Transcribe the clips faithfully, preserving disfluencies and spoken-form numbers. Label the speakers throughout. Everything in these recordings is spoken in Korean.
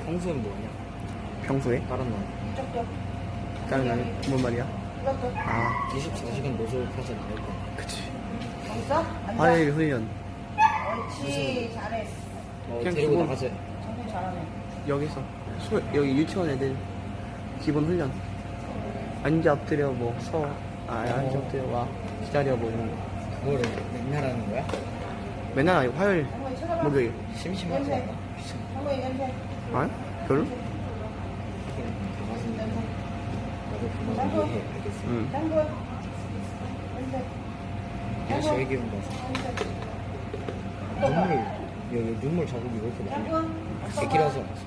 Speaker 1: 평소엔 뭐하냐?
Speaker 2: 평소에?
Speaker 1: 다른 날
Speaker 2: 다른 날 뭔 말이야? 아,
Speaker 1: 이십사 시간 노숙하진 않을 거야.
Speaker 2: 그치.
Speaker 3: 있어? 앉아.
Speaker 2: 화요일 훈련.
Speaker 3: 옳지. 잘해.
Speaker 1: 어,
Speaker 2: 그냥
Speaker 1: 데리고
Speaker 2: 기본-
Speaker 1: 나가자.
Speaker 3: 정말 잘하네.
Speaker 2: 여기서. 소, 여기 유치원 애들. 기본 훈련. 앉아 엎드려 뭐 서. 아, 앉아 엎드려 와. 기다려 뭐 이런 거.
Speaker 1: 그거를 맨날 하는 거야?
Speaker 2: 맨날 아니고 화요일,
Speaker 3: 한번 쳐다봐.
Speaker 2: 목요일.
Speaker 1: 심심하지 않아?
Speaker 3: 한번 냄새.
Speaker 2: 아니? 별로?
Speaker 1: 강아지 나도 그만 이해해. 알겠어.
Speaker 2: 응.
Speaker 3: 짱구. 냄새.
Speaker 1: 야, 제일 귀여운 거. 눈물, 여기 눈물 자국이 왜 이렇게 많냐?
Speaker 3: 짱구.
Speaker 1: 새끼라서 왔어.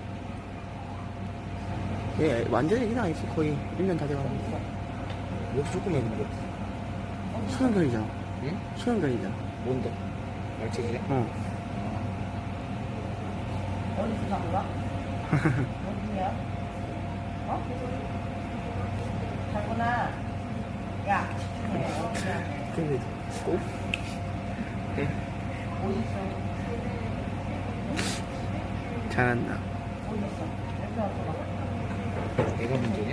Speaker 2: 얘 완전히 애기는 아니지. 거의 일 년 다 돼가고.
Speaker 1: 왜 이렇게 조그매 근데?
Speaker 2: 수영견이잖아.
Speaker 1: 응?
Speaker 2: 수영견이잖아.
Speaker 1: 뭔데? 말치기래?
Speaker 2: 어.
Speaker 3: 어디서 산 거야? 어디야? 어? 잘구나. 야, 집중해. 어디야?
Speaker 2: 근데 꼭?
Speaker 3: 어딨어?
Speaker 2: 잘한다.
Speaker 3: 어딨어? 냄새 맡아봐.
Speaker 1: 내가 문제냐?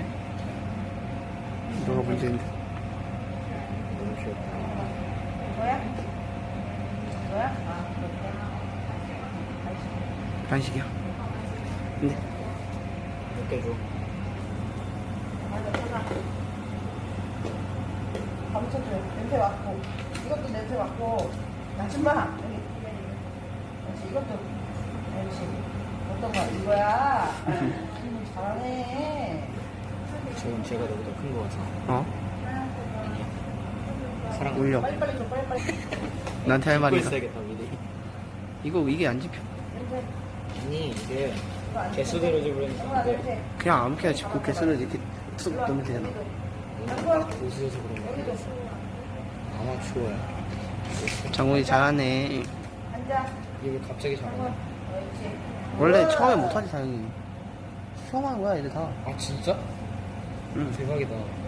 Speaker 2: 너가 문제인데.
Speaker 1: 너무 귀엽다.
Speaker 3: 이거야? 이거야? 아, 그렇게.
Speaker 2: 간식이야. 근데
Speaker 1: 몇 개 줘?
Speaker 3: 맞아, 찾아. 감춰줘. 냄새 맡고. 이것도 냄새 맡고. 나좀봐. 여기. 그렇지, 이것도. 그렇지. 어떤 거야? 이거야? 음, 잘하네.
Speaker 1: 저건 제가 너보다 큰 거 같아.
Speaker 2: 어?
Speaker 1: 사랑
Speaker 2: 올려.
Speaker 3: 빨리빨리 줘, 빨리빨리.
Speaker 2: 나한테 할 말이다.
Speaker 1: 있어야겠다 미리.
Speaker 2: 이거 이게 안 집혀.
Speaker 3: 냄새.
Speaker 1: 아니 이게
Speaker 3: 이거 안
Speaker 1: 개수대로
Speaker 3: 냄새.
Speaker 1: 집으려는
Speaker 3: 이거 안
Speaker 1: 건데
Speaker 3: 냄새.
Speaker 2: 그냥 아무렇게나 집고 개수를 이렇게 툭 넣으면 되잖아.
Speaker 1: 딱 보수해서 그런
Speaker 3: 여기도.
Speaker 1: 거 아마추어야.
Speaker 2: 장훈이 잘하네.
Speaker 3: 앉아.
Speaker 1: 이게 갑자기 잘하네.
Speaker 3: 그렇지.
Speaker 2: 원래 처음에 못하지 당연히. 처음 하는 거야 애들 다.
Speaker 1: 아 진짜?
Speaker 2: 응.
Speaker 1: 대박이다.